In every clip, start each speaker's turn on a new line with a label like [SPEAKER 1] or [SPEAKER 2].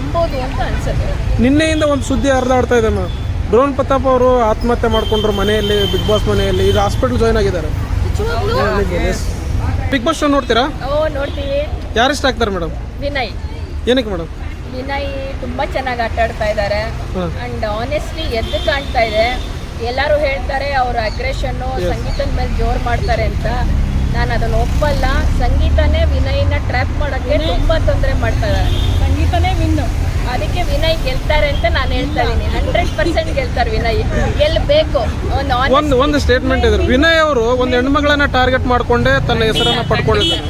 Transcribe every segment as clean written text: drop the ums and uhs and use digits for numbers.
[SPEAKER 1] ನಂಬೋದು ಅಂತ ಅನ್ಸುತ್ತೆ.
[SPEAKER 2] ನಿನ್ನೆಯಿಂದ ಒಂದು ಸುದ್ದಿ ಹರಿದಾಡ್ತಾ ಇದೆ ಅಮ್ಮ. ಡ್ರೋನ್ ಪ್ರತಾಪ್ ಅವರು ಆತ್ಮಹತ್ಯೆ ಮಾಡ್ಕೊಂಡ್ರು ಮನೆಯಲ್ಲಿ, ಬಿಗ್ ಬಾಸ್ ಮನೆಯಲ್ಲಿ. ಈಗ ಹಾಸ್ಪಿಟಲ್ ಜಾಯ್ನ್ ಆಗಿದ್ದಾರೆ. ಬಿಗ್ ಬಾಸ್ ಶೋ ನೋಡ್ತೀರಾ?
[SPEAKER 1] ನೋಡ್ತೀವಿ.
[SPEAKER 2] ಯಾರು ಇಷ್ಟ ಆಗ್ತಾರೆ ಮೇಡಮ್?
[SPEAKER 1] ವಿನಯ್.
[SPEAKER 2] ಏನಕ್ಕೆ ಮೇಡಮ್?
[SPEAKER 1] ವಿನಯ್ ತುಂಬಾ ಚೆನ್ನಾಗಿ ಆಟ ಆಡ್ತಾ ಇದ್ದಾರೆ ಅಂಡ್ ಆನೆಸ್ಟ್ಲಿ ಎದ್ದು ಕಾಣ್ತಾ ಇದೆ. ಎಲ್ಲರೂ ಹೇಳ್ತಾರೆ ಅವ್ರ ಅಗ್ರೆಷನ್ನು ಸಂಗೀತದ ಮೇಲೆ ಜೋರ್ ಮಾಡ್ತಾರೆ ಅಂತ. ನಾನು ಅದನ್ನು ಒಪ್ಪಲ್ಲ. ಸಂಗೀತನೇ ವಿನಯ್ನ ಟ್ರ್ಯಾಪ್ ಮಾಡೋಕ್ಕೆ ತುಂಬಾ ತೊಂದರೆ ಮಾಡ್ತಾ ಇದ್ದಾರೆ.
[SPEAKER 3] ಸಂಗೀತನೇ ವಿನ್ನು.
[SPEAKER 1] ಅದಕ್ಕೆ ವಿನಯ್ ಗೆಲ್ತಾರೆ ಅಂತ ನಾನು ಹೇಳ್ತಾ ಇದ್ದೀನಿ. 100% ಗೆಲ್ತಾರೆ ವಿನಯ್. ಗೆಲ್ಲಬೇಕು.
[SPEAKER 2] ಒಂದು ಸ್ಟೇಟ್ಮೆಂಟ್ ಇದೆ, ವಿನಯ್ ಅವರು ಒಂದು ಹೆಣ್ಮಗಳನ್ನ ಟಾರ್ಗೆಟ್ ಮಾಡ್ಕೊಂಡೆ ತನ್ನ ಹೆಸರನ್ನ ಪಡ್ಕೊಂಡಿದ್ದಾರೆ.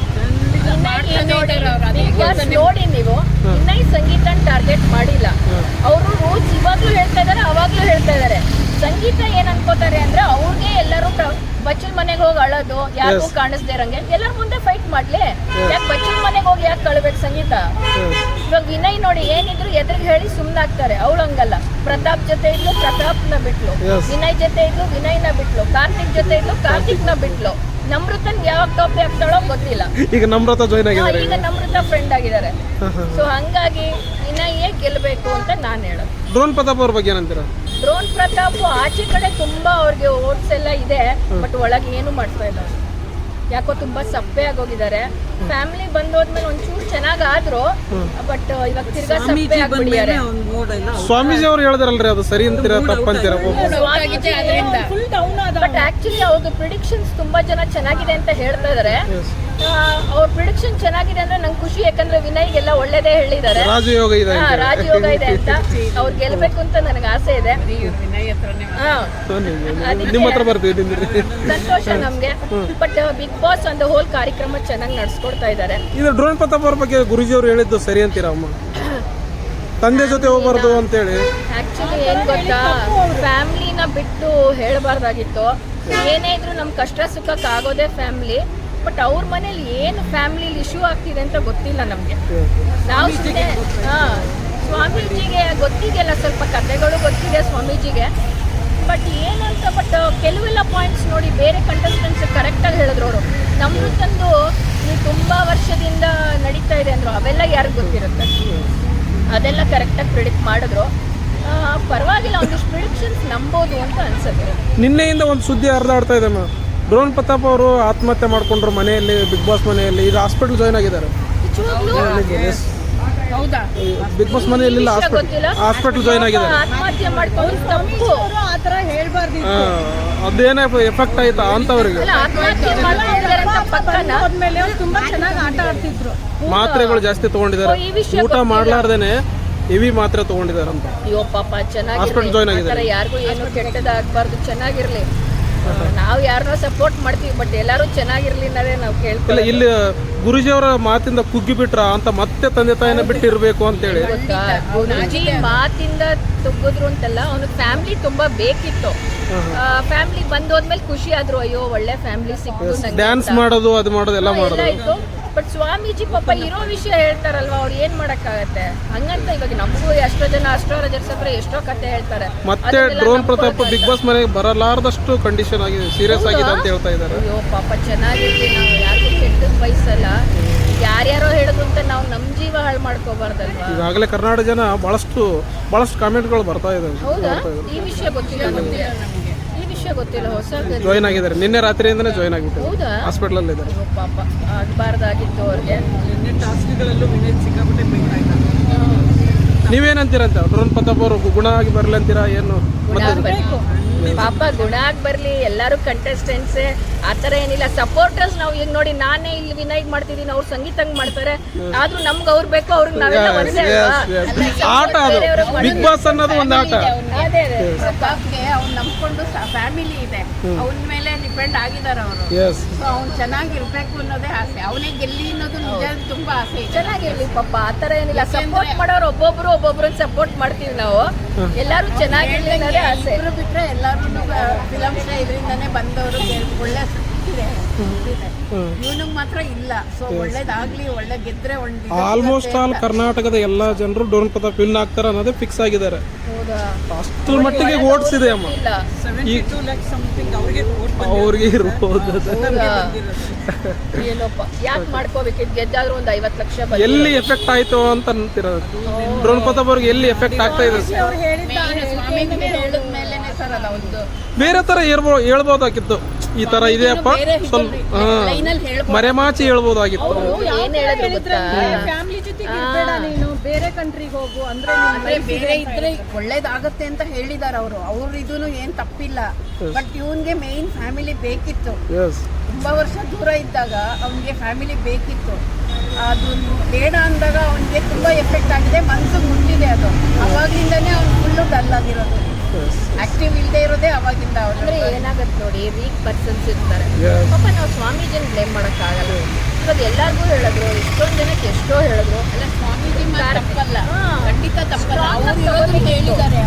[SPEAKER 1] ನೋಡಿ ನೀವು, ವಿನಯ್ ಸಂಗೀತ ಟಾರ್ಗೆಟ್ ಮಾಡಿಲ್ಲ. ಅವರು ರೂಲ್ಸ್ ಇವಾಗ್ಲೂ ಹೇಳ್ತಾ ಇದಾರೆ, ಅವಾಗ್ಲೂ ಹೇಳ್ತಾ ಇದಾರೆ. ಸಂಗೀತ ಏನ್ ಅನ್ಕೋತಾರೆ ಅಂದ್ರೆ ಅವ್ರಿಗೆ ಎಲ್ಲರೂ ಬಚ್ಚಲ್ ಮನೆಗೆ ಹೋಗಿ ಅಳೋದು, ಯಾರಿಗೂ ಕಾಣಿಸ್ದೇ ಇರಂಗೆ ಎಲ್ಲರ ಮುಂದೆ ಫೈಟ್ ಮಾಡ್ಲಿ. ಯಾಕೆ ಬಚ್ಚಲ್ ಮನೆಗೆ ಹೋಗಿ ಯಾಕೆ ಕಳ್ಬೇಕು ಸಂಗೀತ? ಇವಾಗ ವಿನಯ್ ನೋಡಿ ಏನಿದ್ರು ಎದುರಿಗೆ ಹೇಳಿ ಸುಮ್ನಾಗ್ತಾರೆ. ಅವಳು ಹಂಗಲ್ಲ. ಪ್ರತಾಪ್ ಜೊತೆ ಇದ್ಲು, ಪ್ರತಾಪ್ನ ಬಿಟ್ಲು. ವಿನಯ್ ಜೊತೆ ಇದ್ಲು, ವಿನಯ್ನ ಬಿಟ್ಲು. ಕಾರ್ತಿಕ್ ಜೊತೆ ಇದ್ಲು, ಕಾರ್ತಿಕ್ನ ಬಿಟ್ಲು. ನಮ್ರತನ್ ಯಾವಾಗ ಟಾಪಿ ಆಗ್ತಾಳೋ ಗೊತ್ತಿಲ್ಲ.
[SPEAKER 2] ಈಗ ನಮ್ರತ ಜಾಯ್ನ್ ಆಗಿದ್ದಾರೆ.
[SPEAKER 1] ಈಗ ನಮ್ರತ ಫ್ರೆಂಡ್ ಆಗಿದ್ದಾರೆ. ಸೊ ಹಂಗಾಗಿ ವಿನಯೇ ಗೆಲ್ಬೇಕು ಅಂತ ನಾನು ಹೇಳೋದು.
[SPEAKER 2] ಡ್ರೋನ್ ಪ್ರತಾಪ್ ಅವ್ರ ಬಗ್ಗೆ ಏನಂತೀರಾ?
[SPEAKER 1] ಡ್ರೋನ್ ಪ್ರತಾಪ್ ಆಚೆ ಕಡೆ ತುಂಬಾ ಅವ್ರಿಗೆ ಓಟ್ಸ್ ಎಲ್ಲ ಇದೆ, ಬಟ್ ಒಳಗೆ ಏನು ಮಾಡ್ತಾ ಇಲ್ಲ. ಯಾಕೋ ತುಂಬಾ ಸಪ್ಪೆ ಆಗೋಗಿದ್ದಾರೆ. ಫ್ಯಾಮಿಲಿ ಬಂದೋದ್ಮೇಲೆ ಒಂಚೂರು ಚೆನ್ನಾಗಾದ್ರು, ಬಟ್ ಇವಾಗ ತಿರ್ಗಾ ಸಪ್ಪೆ ಆಗ್ಬಿಟ್ಟಿದ್ದಾರೆ.
[SPEAKER 2] ಸ್ವಾಮೀಜಿ ಅವ್ರು ಹೇಳಿದಾರಲ್ರಿ, ಅದು ಸರಿ ಅಂತೀರಾ ತಪ್ಪಂತೀರಾ?
[SPEAKER 1] ಬಟ್ ಆಕ್ಚುಲಿ ಅವ್ರದ್ದು ಪ್ರಿಡಿಕ್ಷನ್ಸ್ ತುಂಬಾ ಜನ ಚೆನ್ನಾಗಿದೆ ಅಂತ ಹೇಳ್ತಾ ಇದಾರೆ. ಅವ್ರ ಪ್ರಿಡಿಕ್ಷನ್ ಚೆನ್ನಾಗಿದೆ ಅಂದ್ರೆ ನಂಗೆ ಖುಷಿ. ಯಾಕಂದ್ರೆ ವಿನಯ್ಗೆಲ್ಲ ಒಳ್ಳೇದೇ ಹೇಳಿದ್ದಾರೆ.
[SPEAKER 2] ರಾಜಯೋಗ ಇದೆ
[SPEAKER 1] ಅಂತ. ಅವ್ರು ಗೆಲ್ಬೇಕು ಅಂತ ನನಗೆ ಆಸೆ ಇದೆ.
[SPEAKER 2] ನಿಮ್ಮ ಹತ್ರ ಬರ್ತೀವಿ.
[SPEAKER 1] ಸಂತೋಷ ನಮ್ಗೆ. ಬಟ್ ಬಿಗ್ ಬಾಸ್ ಒಂದು ಹೋಲ್ ಕಾರ್ಯಕ್ರಮ ಚೆನ್ನಾಗಿ ನಡ್ಸ್ಕೊಡ್ತಾ ಇದ್ದಾರೆ.
[SPEAKER 2] ಇದು ಡ್ರೋನ್ ಪ್ರತಾಪ್ ಅವ್ರ ಬಗ್ಗೆ ಗುರುಜಿ ಅವರು ಹೇಳಿದ್ದು ಸರಿ ಅಂತೀರಾ ಅಮ್ಮ? ತಂದೆ ಜೊತೆ ಹೋಗ್ಬಾರ್ದು ಅಂತೇಳಿ.
[SPEAKER 1] ಆಕ್ಚುಲಿ ಏನ್ ಗೊತ್ತಾ, ಫ್ಯಾಮಿಲಿನ ಬಿಟ್ಟು ಹೇಳಬಾರ್ದಾಗಿತ್ತು. ಏನೇ ಇದ್ರು ನಮ್ ಕಷ್ಟ ಸುಖಕ್ಕೆ ಆಗೋದೇ ಫ್ಯಾಮಿಲಿ. ಬಟ್ ಅವ್ರ ಮನೇಲಿ ಏನು ಫ್ಯಾಮಿಲಿ ಇಶ್ಯೂ ಆಗ್ತಿದೆ ಅಂತ ಗೊತ್ತಿಲ್ಲ ನಮ್ಗೆ. ನಾವು ಸ್ವಾಮೀಜಿಗೆ ಗೊತ್ತಿದೆಯಲ್ಲ, ಸ್ವಲ್ಪ ಕಥೆಗಳು ಗೊತ್ತಿದೆ ಸ್ವಾಮೀಜಿಗೆ. ಬಟ್ ಏನಂತ, ಬಟ್ ಕೆಲವೆಲ್ಲ ಪಾಯಿಂಟ್ಸ್ ನೋಡಿ ಬೇರೆ ಕಂಟೆಸ್ಟೆಂಟ್ಸ್ ಕರೆಕ್ಟಾಗಿ ಹೇಳಿದ್ರು ಅವರು. ನಮ್ದು ತಂದು ನೀವು ತುಂಬ ವರ್ಷದಿಂದ ನಡೀತಾ ಇದೆ ಅಂದರು, ಅವೆಲ್ಲ ಯಾರಿಗೆ ಗೊತ್ತಿರುತ್ತೆ? ಅದೆಲ್ಲ ಕರೆಕ್ಟಾಗಿ ಪ್ರಿಡಿಕ್ಟ್ ಮಾಡಿದ್ರು. ಪರವಾಗಿಲ್ಲ, ಒಂದಿಷ್ಟು ಪ್ರಿಡಿಕ್ಷನ್ಸ್ ನಂಬೋದು ಅಂತ ಅನ್ಸುತ್ತೆ.
[SPEAKER 2] ನಿನ್ನೆಯಿಂದ ಒಂದು ಸುದ್ದಿ ಹರಿದಾಡ್ತಾ ಇದೆ ಅಮ್ಮ. ಡ್ರೋನ್ ಪ್ರತಾಪ್ ಅವರು ಆತ್ಮಹತ್ಯೆ ಮಾಡ್ಕೊಂಡ್ರು ಮನೆಯಲ್ಲಿ, ಬಿಗ್ ಬಾಸ್ ಮನೆಯಲ್ಲಿ. ಈಗ ಹಾಸ್ಪಿಟಲ್ ಜಾಯ್ನ್ ಆಗಿದ್ದಾರೆ. ಬಿಗ್ ಬಾಸ್ ಮನೆಯಲ್ಲಿ ಹಾಸ್ಪಿಟಲ್ ಜಾಯ್ನ್ ಆಗಿದ್ದಾರೆ.
[SPEAKER 1] ಆತ್ಮಹತ್ಯೆ ಮಾಡ್ಕೊಂಡು ತಪ್ಪು
[SPEAKER 3] ಆ ಥರ ಹೇಳ್ಬಾರ್ದು.
[SPEAKER 2] ಅದೇನೇ ಎಫೆಕ್ಟ್ ಆಯ್ತಾ ಅಂತವ್ರಿಗೆ?
[SPEAKER 3] ಹೋದ್ಮೇಲೆ ತುಂಬಾ ಚೆನ್ನಾಗಿ ಆಟ ಆಡ್ತಿದ್ರು.
[SPEAKER 2] ಮಾತ್ರೆಗಳು ಜಾಸ್ತಿ ತಗೊಂಡಿದ್ದಾರೆ, ಊಟ ಮಾಡ್ಲಾರ್ದೇನೆ ಹೆವಿ ಮಾತ್ರೆ ತಗೊಂಡಿದ್ದಾರೆ ಅಂತ.
[SPEAKER 1] ಅಯ್ಯೋ ಪಾಪ,
[SPEAKER 2] ಹಾಸ್ಪಿಟಲ್ ಜಾಯ್ನ್ ಆಗಿದ್ದಾರೆ.
[SPEAKER 1] ಯಾರಿಗೂ ಏನು ಕೆಟ್ಟದಾಗಬಾರ್ದು, ಚೆನ್ನಾಗಿರ್ಲಿ. ನಾವು ಯಾರನ್ನೋ ಸಪೋರ್ಟ್ ಮಾಡ್ತೀವಿ, ಬಟ್ ಎಲ್ಲರೂ ಚೆನ್ನಾಗಿರ್ಲಿ ಅನ್ನೋದೇ ನಾವು ಕೇಳ್ತೀವಿ.
[SPEAKER 2] ಇಲ್ಲಿ ಗುರುಜಿ ಅವರ ಮಾತಿಂದ ಕುಗ್ಗಿ ಬಿಟ್ರ ಅಂತ ಮತ್ತೆ ತಂದೆ ತಾಯಿನ ಬಿಟ್ಟಿರ್ಬೇಕು ಅಂತೇಳಿ.
[SPEAKER 1] ಗುರುಜಿ ಮಾತಿಂದ ತುಗ್ಗಿದ್ರು ಅಂತಲ್ಲ, ಅವನಿಗೆ ಫ್ಯಾಮಿಲಿ ತುಂಬಾ ಬೇಕಿತ್ತು. ಫ್ಯಾಮಿಲಿ ಬಂದೋದ್ಮೇಲೆ ಖುಷಿ ಆದ್ರು, ಅಯ್ಯೋ ಒಳ್ಳೆ ಫ್ಯಾಮಿಲಿ ಸಿಕ್ತು.
[SPEAKER 2] ಡ್ಯಾನ್ಸ್ ಮಾಡೋದು, ಅದು ಮಾಡೋದು ಎಲ್ಲ ಮಾಡೋದು.
[SPEAKER 1] ಬಟ್ ಸ್ವಾಮೀಜಿ ಪಾಪ ಇರೋ ವಿಷಯ ಹೇಳ್ತಾರಲ್ವಾ, ಅವ್ರು ಏನ್ ಮಾಡಕ್ಕಾಗತ್ತೆ? ಹಂಗಂತ ಇವಾಗ ನಮಗೂ ಎಷ್ಟೋ ಜನ ಅಸ್ಟ್ರಾಲಜರ್ಸ್ ಹತ್ರ ಎಷ್ಟೋ ಕತೆ ಹೇಳ್ತಾರೆ.
[SPEAKER 2] ಮತ್ತೆ ಡ್ರೋನ್ ಪ್ರತಾಪ್ ಬಿಗ್ ಬಾಸ್ ಮನೆಗೆ ಬರಲಾರದಷ್ಟು ಕಂಡೀಷನ್ ಆಗಿದೆ, ಸೀರಿಯಸ್ ಆಗಿದೆ ಅಂತ ಹೇಳ್ತಾ ಇದ್ದಾರೆ.
[SPEAKER 1] ಅಯ್ಯೋ ಪಾಪ, ಚೆನ್ನಾಗಿರ್ಲಿ. ನಾವು ಯಾರಿಗೂ ಕೆಟ್ಟದ್ ಬಯಸಲ್ಲ. ಯಾರ್ಯಾರೋ ಹೇಳಿದ್ರು ಅಂತ ನಾವು ನಮ್ ಜೀವ ಹಾಳು ಮಾಡ್ಕೋಬಾರ್ದಲ್ವಾ?
[SPEAKER 2] ಈಗಾಗಲೇ ಕರ್ನಾಟಕ ಜನ ಬಹಳಷ್ಟು ಕಾಮೆಂಟ್ಗಳು ಬರ್ತಾ ಇದಾವೆ.
[SPEAKER 1] ಹೌದಾ? ಈ ವಿಷಯ ಗೊತ್ತಿಲ್ಲ ನಮ್ಗೆ. ಗೊತ್ತಿಲ್ಲ, ಹೊಸ
[SPEAKER 2] ಜಾಯ್ನ್ ಆಗಿದ್ದಾರೆ. ನಿನ್ನೆ ರಾತ್ರಿಯಿಂದನೇ ಜಾಯ್ನ್ ಆಗಿತ್ತು.
[SPEAKER 1] ಹೌದಾ?
[SPEAKER 2] ಹಾಸ್ಪಿಟಲ್ ಅಲ್ಲಿ ಇದ್ದಾರೆ.
[SPEAKER 1] ಪಾಪ, ಆಗಬಾರ್ದಾಗಿತ್ತು ಅವ್ರಿಗೆ.
[SPEAKER 2] ನೀವೇನಂತೀರಂತ? ಡ್ರೋನ್ ಪ್ರತಾಪ್ ಅವರು ಗುಣ ಆಗಿ ಬರ್ಲಿ ಅಂತೀರಾ ಏನು?
[SPEAKER 1] ಪಾಪ ಗುಣ ಆಗಿ ಬರ್ಲಿ. ಎಲ್ಲರೂ ಕಂಟೆಸ್ಟೆಂಟ್ಸೇ, ಆತರ ಏನಿಲ್ಲ. ಸಪೋರ್ಟರ್ಸ್ ನಾವು ಈಗ ನೋಡಿ, ನಾನೇ ಇಲ್ಲಿ ವಿನಯ್ ಮಾಡ್ತಿದ್ದೀನಿ, ಅವ್ರು ಸಂಗೀತಂಗ್ ಮಾಡ್ತಾರೆ. ಆದ್ರೂ ನಮ್ಗೆ ಅವ್ರು ಬೇಕು, ಅವ್ರಿಗೆ ನಾವೆಲ್ಲ ಒಂದೇ
[SPEAKER 2] ಆಟ. ಬಿಗ್ ಬಾಸ್ ಅನ್ನೋದು ಒಂದು ಆಟ.
[SPEAKER 1] ಅದೇ
[SPEAKER 3] ಪ್ರತಾಪ್ಗೆ ಅವ್ನು ನಂಬ್ಕೊಂಡು ಫ್ಯಾಮಿಲಿ ಇದೆ, ಅವನ ಮೇಲೆ ಡಿಪೆಂಡ್ ಆಗಿದ್ದಾರೆ ಅವರು. ಅವ್ನು ಚೆನ್ನಾಗಿರ್ಬೇಕು ಅನ್ನೋದೇ ಆಸೆ. ಅವನೇ ಗೆಲ್ಲಿ ಅನ್ನೋದು ನಿಜ, ತುಂಬಾ ಆಸೆ.
[SPEAKER 1] ಚೆನ್ನಾಗಿರ್ಲಿ ಪಾಪ, ಆತರ ಏನಿಲ್ಲ. ಸಪೋರ್ಟ್ ಮಾಡೋರು ಒಬ್ಬೊಬ್ರನ್ನ ಸಪೋರ್ಟ್ ಮಾಡ್ತೀವಿ ನಾವು. ಎಲ್ಲಾರು ಚೆನ್ನಾಗಿರ್ಲಿ ಅನ್ನೋದೇ ಆಸೆ.
[SPEAKER 3] ಬಿಟ್ರೆ ಎಲ್ಲರೂ ಫಿಲಮ್ಸ್ ಇದರಿಂದಾನೇ ಬಂದವರು, ಒಳ್ಳೆ ಮುಗ್ದಿದೆ ಇವನಿಗೆ ಮಾತ್ರ ಇಲ್ಲ. ಸೊ ಒಳ್ಳೇದಾಗ್ಲಿ, ಒಳ್ಳೆ ಗೆದ್ರೆ
[SPEAKER 2] ಆಲ್ಮೋಸ್ಟ್ ಆಲ್ ಕರ್ನಾಟಕದ ಎಲ್ಲ ಜನರು ಡ್ರೋನ್ ಪ್ರತಾಪ್ ವಿನ್ ಆಗ್ತಾರೆ ಅನ್ನೋದೇ ಫಿಕ್ಸ್ ಆಗಿದ್ದಾರೆ. ಅಷ್ಟರ ಮಟ್ಟಿಗೆ ಓಟ್ಸ್ ಇದೆ ಅಮ್ಮ. ಅವ್ರಿಗೆ ಇರ್ಬೋದು.
[SPEAKER 1] ಏನಪ್ಪ ಯಾಕೆ ಮಾಡ್ಕೋಬೇಕಿದ್ ಗೆದ್ದಾದ್ರೂ ಒಂದು 50 ಲಕ್ಷ
[SPEAKER 2] ಎಲ್ಲಿ ಎಫೆಕ್ಟ್ ಆಯ್ತು ಅಂತ ಅಂತಿರೋದು. ಡ್ರೋನ್ ಪ್ರತಾಪ್ ಅವ್ರಿಗೆ ಎಲ್ಲಿ ಎಫೆಕ್ಟ್ ಆಗ್ತಾ ಇದೆ?
[SPEAKER 3] ಮೇಲೆನೆ ಸರ್ ಅದ ಒಂದು
[SPEAKER 2] ಬೇರೆ ತರ ಹೇಳ್ಬೋದಾಗಿತ್ತು. ಈ ತರ ಇದೆಯಪ್ಪ ಸ್ವಲ್ಪ ಮರೆಮಾಚಿ ಹೇಳ್ಬೋದಾಗಿತ್ತು.
[SPEAKER 1] ಏನ್ ಹೇಳಿದ್ರು ಗೊತ್ತಾ,
[SPEAKER 4] ಫ್ಯಾಮಿಲಿ ಜೊತೆಗೆ ಇರ್ಬೇಡ ನೀನು, ಬೇರೆ ಕಂಟ್ರಿಗೆ ಹೋಗು ಅಂದ್ರೆ
[SPEAKER 3] ಬೇರೆ ಇದ್ರೆ ಒಳ್ಳೇದಾಗತ್ತೆ ಅಂತ ಹೇಳಿದಾರೆ ಅವ್ರು ಇದೂನು ಏನ್ ತಪ್ಪಿಲ್ಲ. ಬಟ್ ಇವನ್ಗೆ ಮೇನ್ ಫ್ಯಾಮಿಲಿ ಬೇಕಿತ್ತು. ತುಂಬಾ ವರ್ಷ ದೂರ ಇದ್ದಾಗ ಅವನಿಗೆ ಫ್ಯಾಮಿಲಿ ಬೇಕಿತ್ತು. ಅದು ಬೇಡ ಅಂದಾಗ ಅವನಿಗೆ ತುಂಬಾ ಎಫೆಕ್ಟ್ ಆಗಿದೆ, ಮನ್ಸಿಗೆ ಮುಟ್ಟಿದೆ ಅದು. ಅವಾಗಿಂದಾನೇ ಅವ್ನು ಫುಲ್ಲು ಡಲ್ ಆಗಿರೋದು, ಆಕ್ಟಿವ್ ಇಲ್ಲದೆ ಇರೋದೇ ಅವಾಗಿಂದ.
[SPEAKER 1] ಅಂದ್ರೆ ಏನಾಗತ್ತೆ ನೋಡಿ, ವೀಕ್ ಪರ್ಸನ್ಸ್ ಇರ್ತಾರೆ ಪಾಪ. ನಾವು ಸ್ವಾಮೀಜಿನ ಬ್ಲೇಮ್ ಮಾಡಕ್ಕಾಗಲ್ಲ. ಇವಾಗ ಎಲ್ಲಾರ್ಗೂ ಹೇಳಿದ್ರು, ಎಷ್ಟೊಂದ್ ಜನಕ್ಕೆ ಎಷ್ಟೋ ಹೇಳಿದ್ರು.
[SPEAKER 3] ಅಲ್ಲ, ಸ್ವಾಮೀಜಿ ತಪ್ಪಲ್ಲ, ಖಂಡಿತ ತಪ್ಪಲ್ಲ. ಅವ್ರು ಹೇಳಿದ್ದಾರೆ,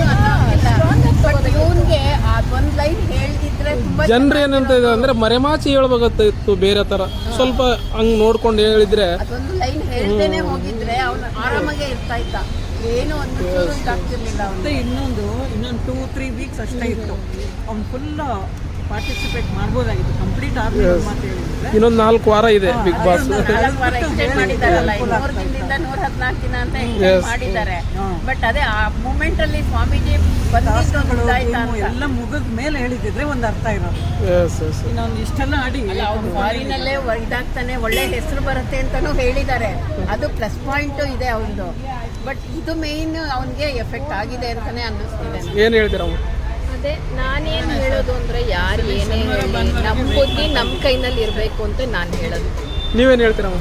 [SPEAKER 3] ಬಟ್ ಇವನ್ಗೆ ಅದೊಂದ್ ಲೈನ್ ಹೇಳ್ದಿದ್ರೆ ತುಂಬಾ
[SPEAKER 2] ಜನರು ಏನಂತ ಇದೆ ಅಂದ್ರೆ ಮರೆಮಾಚಿ ಹೇಳ್ಬೇಕಾಗಿತ್ತು ಬೇರೆ ತರ. ಸ್ವಲ್ಪ ಹಂಗ್ ನೋಡ್ಕೊಂಡು ಹೇಳಿದ್ರೆ,
[SPEAKER 3] ಅದೊಂದು ಲೈನ್ ಹೇಳ್ದೇನೆ ಹೋಗಿದ್ರೆ ಅವ್ನು ಆರಾಮಾಗೆ ಇರ್ತಾ ಇದ್ದ. ಏನು ಒಂದು ಆಗ್ತಿರ್ಲಿಲ್ಲ.
[SPEAKER 4] ಮತ್ತೆ ಇನ್ನೊಂದು 2-3 ವೀಕ್ಸ್ ಅಷ್ಟೇ ಇತ್ತು. ಅವ್ನು ಫುಲ್ ಪಾರ್ಟಿಸಿಪೇಟ್ ಮಾಡ್ಬೋದಾಗಿತ್ತು. ಕಂಪ್ಲೀಟ್ ಆದ್ಮೇಲೆ ಮಾತು ಹೇಳಿದ್ರೆ
[SPEAKER 2] ಇನ್ನೊಂದು 4 ವಾರ ಇದೆ ಬಿಗ್ ಬಾಸ್.
[SPEAKER 3] 4 ವಾರ ಎಕ್ಸ್ಟೆಂಡ್ ಮಾಡಿದಾರಲ್ಲ, 200 ದಿನದಿಂದ 114 ದಿನ ಅಂತ ಎಕ್ಸ್ಟೆಂಡ್ ಮಾಡಿದ್ದಾರೆ. ಬಟ್ ಅದೇ ಆ ಮೂಮೆಂಟ್ ಅಲ್ಲಿ ಸ್ವಾಮೀಜಿ
[SPEAKER 4] ಎಲ್ಲ ಮುಗಿದ ಮೇಲೆ ಹೇಳಿದ್ರೆ ಒಂದು ಅರ್ಥ ಇರೋದು. ಇನ್ನೊಂದು ಇಷ್ಟೆಲ್ಲ ಆಡಿ
[SPEAKER 3] ಅವ್ನು ಫಾರಿನಲ್ಲೇ ಇದಾಗ್ತಾನೆ, ಒಳ್ಳೆ ಹೆಸರು ಬರುತ್ತೆ ಅಂತಾನು ಹೇಳಿದ್ದಾರೆ. ಅದು ಪ್ಲಸ್ ಪಾಯಿಂಟ್ ಇದೆ ಅವನದು. ಬಟ್ ಇದು ಮೇನ್ ಅವನಿಗೆ ಎಫೆಕ್ಟ್ ಆಗಿದೆ ಅಂತಾನೆ ಅನ್ನಿಸ್ತಿದೆ.
[SPEAKER 2] ಏನ್ ಹೇಳ್ತೀರ?
[SPEAKER 1] ಅದೇ ನಾನೇನ್ ಹೇಳೋದು ಅಂದ್ರೆ, ಯಾರು ಏನೇ ಹೇಳಿ ನಮ್ ಬುದ್ಧಿ ನಮ್ ಕೈನಲ್ಲಿ ಇರ್ಬೇಕು ಅಂತ ನಾನು ಹೇಳೋದು.
[SPEAKER 2] ನೀವೇನ್ ಹೇಳ್ತೀರಮ್ಮ?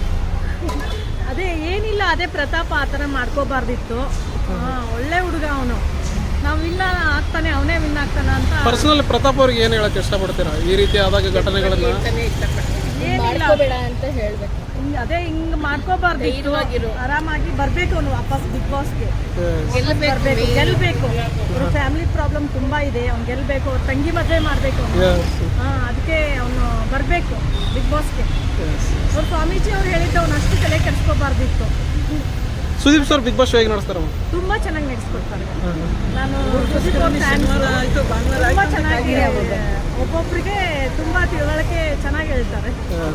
[SPEAKER 4] ಅದೇ ಏನಿಲ್ಲ, ಅದೇ ಪ್ರತಾಪ ಆ ಥರ ಮಾಡ್ಕೋಬಾರ್ದಿತ್ತು. ಒಳ್ಳೆ ಹುಡುಗ ಅವನು. ನಾವು ವಿನ್ ಆಗ್ತಾನೆ, ಅವನೇ ವಿನ್ ಆಗ್ತಾನೆ ಅಂತ.
[SPEAKER 2] ಪರ್ಸನಲ್ ಪ್ರತಾಪ್ ಅವ್ರಿಗೆ ಏನ್ ಹೇಳಕ್ ಇಷ್ಟಪಡ್ತೀರಾ ಈ ರೀತಿ ಆದಾಗ ಘಟನೆಗಳನ್ನ?
[SPEAKER 1] ಮಾಡ್ಕೋಬೇಡ ಅಂತ ಹೇಳ್ಬೇಕು.
[SPEAKER 4] ಅದೇ ಹಿಂಗ್ ಮಾಡ್ಕೋಬಾರ್ದು, ಆರಾಮಾಗಿ ಬರ್ಬೇಕು ಅವನು ವಾಪಸ್ ಬಿಗ್ ಬಾಸ್ಗೆ. ಗೆಲ್ಬೇಕು. ಅವ್ರ ಫ್ಯಾಮಿಲಿ ಪ್ರಾಬ್ಲಮ್ ತುಂಬಾ ಇದೆ, ಅವ್ನು ಗೆಲ್ಬೇಕು. ಅವ್ರ ತಂಗಿ ಮದುವೆ ಮಾಡ್ಬೇಕು ಅವನು. ಅದಕ್ಕೆ ಅವನು ಬರ್ಬೇಕು ಬಿಗ್ ಬಾಸ್ಗೆ. ಅವ್ರ ಸ್ವಾಮೀಜಿ ಅವ್ರು ಹೇಳಿದ್ದು ಅವ್ನು ಅಷ್ಟು ತಲೆ ಕೆಡಿಸ್ಕೋಬಾರ್ದಿತ್ತು.
[SPEAKER 2] ಸುದೀಪ್ ಸರ್ ಬಿಗ್ ಬಾಸ್ ಹೇಗೆ ನಡೆಸ್ತಾರ?
[SPEAKER 4] ತುಂಬಾ ಚೆನ್ನಾಗಿ ನಡೆಸ್ಕೊಡ್ತಾರೆ. ನಾನು ಸುದೀಪ್ ಅವ್ರ ಫ್ಯಾನ್. ತುಂಬಾ ಚೆನ್ನಾಗಿ ಒಬ್ಬೊಬ್ರಿಗೆ ತುಂಬಾ ತಿಳುವಳಿಕೆ ಚೆನ್ನಾಗಿ ಹೇಳ್ತಾರೆ.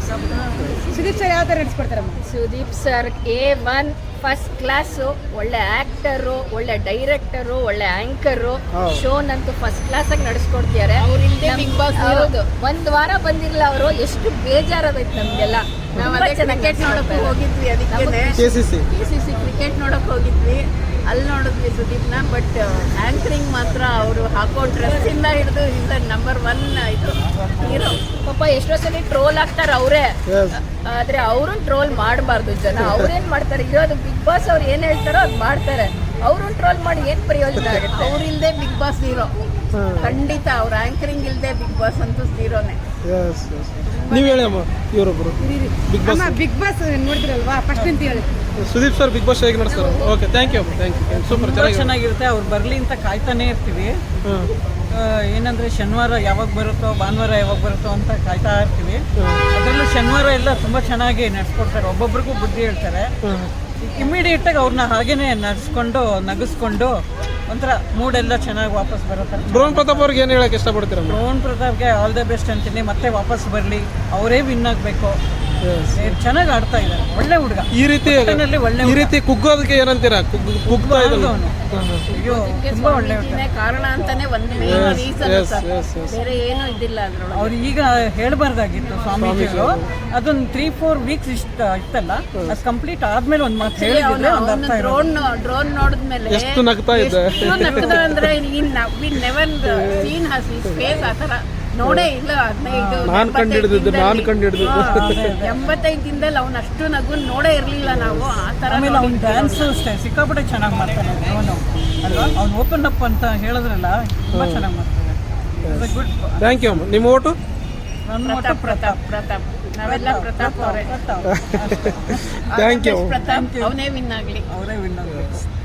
[SPEAKER 4] ಸುದೀಪ್ ಸರ್ ಯಾವ ಥರ ನಡೆಸ್ಕೊಡ್ತಾರಮ್ಮ?
[SPEAKER 1] Sudeep sir A1 first class. ಒಳ್ಳೆ ಆಕ್ಟರು, ಒಳ್ಳೆ ಡೈರೆಕ್ಟರು, ಒಳ್ಳೆ ಆಂಕರು. ಶೋನಂತೂ ಫಸ್ಟ್ ಕ್ಲಾಸ್ ಆಗಿ ನಡೆಸ್ಕೊಡ್ತಿದ್ದಾರೆ.
[SPEAKER 3] ಬಿಗ್ ಬಾಸ್
[SPEAKER 1] ಹೌದು, 1 ವಾರ ಬಂದಿರಲಿಲ್ಲ ಅವರು. ಎಷ್ಟು ಬೇಜಾರಾಗೈತೆ ನಮ್ಗೆಲ್ಲ.
[SPEAKER 3] ಕ್ರಿಕೆಟ್ ನೋಡಕ್ ಹೋಗಿದ್ವಿ, ಅದಕ್ಕೆ KCC ಕ್ರಿಕೆಟ್ ನೋಡಕ್ ಹೋಗಿದ್ವಿ. ಅಲ್ಲಿ ನೋಡಿದ್ವಿ ಸುದೀಪ್ನ. ಬಟ್ ಆಂಕರಿಂಗ್ ಮಾತ್ರ ಅವರು ಹಾಕೋ ಡ್ರೆಸ್ ಇಂದ ಹಿಡಿದು ನಂಬರ್ 1 ಇದು ಹೀರೋ.
[SPEAKER 1] ಪಾಪ ಎಷ್ಟೋ ಸಲ ಟ್ರೋಲ್ ಆಗ್ತಾರೆ ಅವರೇ, ಆದ್ರೆ ಅವ್ರನ್ನ ಟ್ರೋಲ್ ಮಾಡಬಾರ್ದು ಜನ. ಅವ್ರೇನ್ ಮಾಡ್ತಾರೆ, ಇರೋದು ಬಿಗ್ ಬಾಸ್ ಅವ್ರು ಏನ್ ಹೇಳ್ತಾರೋ ಅದ್ ಮಾಡ್ತಾರೆ. ಅವ್ರನ್ನ ಟ್ರೋಲ್ ಮಾಡಿ ಏನ್ ಪ್ರಯೋಜನ ಆಗುತ್ತೆ?
[SPEAKER 3] ಅವ್ರಿಲ್ದೆ ಬಿಗ್ ಬಾಸ್ ಹೀರೋ ಖಂಡಿತ. ಅವ್ರ ಆಂಕರಿಂಗ್ ಇಲ್ದೆ ಬಿಗ್ ಬಾಸ್ ಅಂತೂ ಹೀರೋನೇ.
[SPEAKER 2] ನೀವ್ ಹೇಳಿ ಅಮ್ಮ, ಇವರೊಬ್ರು
[SPEAKER 4] ಬಿಗ್ ಬಾಸ್ ನೋಡಿದ್ರಲ್ವಾ ಫಸ್ಟ್ ಅಂತ ಹೇಳಿ.
[SPEAKER 2] ಸುದೀಪ್ ಸರ್ ಬಿಗ್ ಬಾಸ್ ಹೇಗೆ ನಡೆಸ್ತಾರೆ? ಓಕೆ, ಥ್ಯಾಂಕ್ ಯು ಸೂಪರ್,
[SPEAKER 4] ಚೆನ್ನಾಗಿರುತ್ತೆ. ಅವ್ರು ಬರ್ಲಿ ಅಂತ ಕಾಯ್ತಾನೆ ಇರ್ತೀವಿ. ಏನಂದ್ರೆ ಶನಿವಾರ ಯಾವಾಗ ಬರುತ್ತೋ, ಭಾನುವಾರ ಯಾವಾಗ ಬರುತ್ತೋ ಅಂತ ಕಾಯ್ತಾ ಇರ್ತೀವಿ. ಅದರಲ್ಲೂ ಶನಿವಾರ ಎಲ್ಲ ತುಂಬಾ ಚೆನ್ನಾಗಿ ನಡ್ಸ್ಕೊಡ್ತಾರೆ. ಒಬ್ಬೊಬ್ರಿಗೂ ಬುದ್ಧಿ ಹೇಳ್ತಾರೆ. ಇಮಿಡಿಯೇಟ್ ಆಗಿ ಅವ್ರನ್ನ ಹಾಗೇನೆ ನಡ್ಸ್ಕೊಂಡು ನಗಿಸ್ಕೊಂಡು ಒಂಥರ ಮೂಡೆಲ್ಲ ಚೆನ್ನಾಗಿ ವಾಪಸ್ ಬರುತ್ತೆ.
[SPEAKER 2] ಡ್ರೋನ್ ಪ್ರತಾಪ್ ಅವ್ರಿಗೆ ಏನು ಹೇಳಕ್ಕೆ ಇಷ್ಟಪಡ್ತೀರಾ?
[SPEAKER 4] ಡ್ರೋನ್ ಪ್ರತಾಪ್ಗೆ ಆಲ್ ದ ಬೆಸ್ಟ್ ಅಂತೀನಿ. ಮತ್ತೆ ವಾಪಸ್ ಬರಲಿ, ಅವರೇ ವಿನ್ ಆಗಬೇಕು. ಚೆನ್ನಾಗಿ ಆಡ್ತಾ ಇದ್ದಾರೆ, ಒಳ್ಳೆ ಹುಡುಗ.
[SPEAKER 2] ಈ ರೀತಿ ಕುಗ್ಗೋದಕ್ಕೆ ಏನಂತೀರಾ? ಕುಗ್ತಾ ಇದ್ದಾನೆ
[SPEAKER 4] ಅಯ್ಯೋ, ತುಂಬಾ ಒಳ್ಳೆ ಹುಡುಗ.
[SPEAKER 3] ಕಾರಣ ಅಂತಾನೆ ಒಂದು ಮೇನ್ ರೀಸನ್, ಬೇರೆ ಏನು ಇದ್ದಿಲ್ಲ ಅದ್ರೊಳಗೆ.
[SPEAKER 4] ಅವ್ರು ಈಗ ಹೇಳ್ಬಾರ್ದಾಗಿತ್ತು ಸ್ವಾಮೀಜಿಗಳು. ಅದೊಂದು 3-4 ವೀಕ್ಸ್ ಇತ್ತಲ್ಲ, ಅದು ಕಂಪ್ಲೀಟ್ ಆದ್ಮೇಲೆ ಒಂದ್ ಮಾತು ಹೇಳಿದ್ರೆ ಒಂದು ಅರ್ಥ ಇರೋದು.
[SPEAKER 3] ಡ್ರೋನ್ ನೋಡಿದ್ಮೇಲೆ
[SPEAKER 2] ಎಷ್ಟು ನಗ್ತಾ ಇದ್ದ
[SPEAKER 3] ಅಂದ್ರೆ never seen has his face ಆ ತರ ನೋಡೇ ಇಲ್ಲ.
[SPEAKER 2] 15 ನಾನು ಕಂಡಿಡಿದ್ದು
[SPEAKER 3] 85 ದಿನದಲ್ಲಿ ಅವ್ನು ಅಷ್ಟು ನಗು ನೋಡೇ ಇರ್ಲಿಲ್ಲ ನಾವು. ಆ ತರ
[SPEAKER 4] ಆಮೇಲೆ ಅವ್ನ ಡ್ಯಾನ್ಸ್ ಅಷ್ಟೇ ಸಿಕ್ಕಾಪಟ್ಟೆ ಚೆನ್ನಾಗಿ ಮಾಡ್ತಾನೆ ಅವನು ಅಲ್ವಾ. ಅವ್ನು ಓಪನ್ ಅಪ್ ಅಂತ ಹೇಳಿದ್ರಲ್ಲ, ತುಂಬಾ ಚೆನ್ನಾಗಿ ಮಾಡ್ತಾನೆ. ಗುಡ್.
[SPEAKER 2] Thank you. ನಿಮ್ಮ ಓಟು?
[SPEAKER 4] ನನ್ನ ಓಟು ಪ್ರತಾಪ್.
[SPEAKER 3] ನಾವೆಲ್ಲ ಪ್ರತಾಪ್ ಅವರೇ.
[SPEAKER 2] Thank you.
[SPEAKER 3] ಪ್ರತಾಪ್ ಅವನೇ ವಿನ್ ಆಗ್ಲಿ.
[SPEAKER 4] ಅವರೇ ವಿನ್ ಆಗಬೇಕು.